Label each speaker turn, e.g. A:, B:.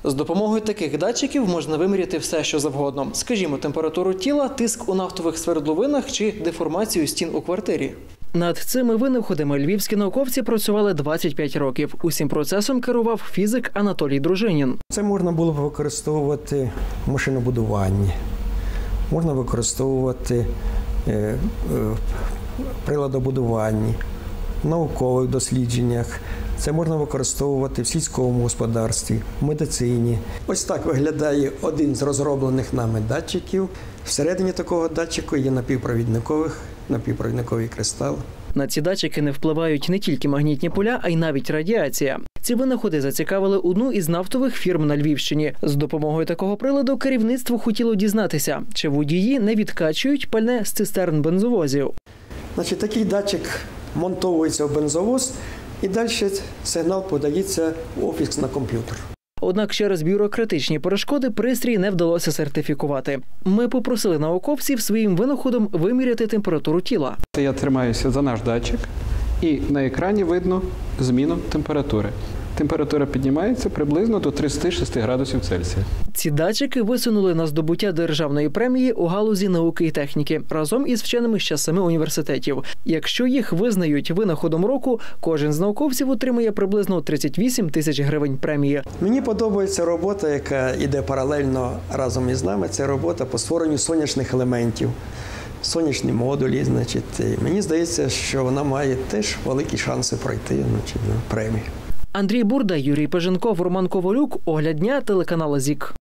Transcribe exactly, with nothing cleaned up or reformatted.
A: З допомогою таких датчиків можна виміряти все, що завгодно. Скажімо, температуру тіла, тиск у нафтових свердловинах чи деформацію стін у квартирі. Над цими винаходами львівські науковці працювали двадцять п'ять років. Усім процесом керував фізик Анатолій Дружинін.
B: Це можна було б використовувати в машинобудуванні, можна використовувати е, е, приладобудуванні, в наукових дослідженнях. Це можна використовувати в сільському господарстві, в медицині. Ось так виглядає один з розроблених нами датчиків. Всередині такого датчику є напівпровідникових, напівпровідниковий кристал.
A: На ці датчики не впливають не тільки магнітні поля, а й навіть радіація. Ці винаходи зацікавили одну із нафтових фірм на Львівщині. З допомогою такого приладу керівництво хотіло дізнатися, чи водії не відкачують пальне з цистерн бензовозів.
B: Значить, такий датчик монтовується в бензовоз і далі сигнал подається в офіс на комп'ютер.
A: Однак через бюрократичні перешкоди пристрій не вдалося сертифікувати. Ми попросили науковців своїм винаходом виміряти температуру тіла.
C: Я тримаюся за наш датчик і на екрані видно зміну температури. Температура піднімається приблизно до тридцяти шести градусів Цельсія.
A: Ці датчики висунули на здобуття державної премії у галузі науки і техніки разом із вченими ще семи університетів. Якщо їх визнають винаходом року, кожен з науковців отримує приблизно тридцять вісім тисяч гривень премії.
B: Мені подобається робота, яка йде паралельно разом із нами. Це робота по створенню сонячних елементів, сонячні модулі. Значить, мені здається, що вона має теж великі шанси пройти, значить, на премію.
A: Андрій Бурда, Юрій Пеженков, Роман Ковалюк. Огляд дня, телеканал ЗІК.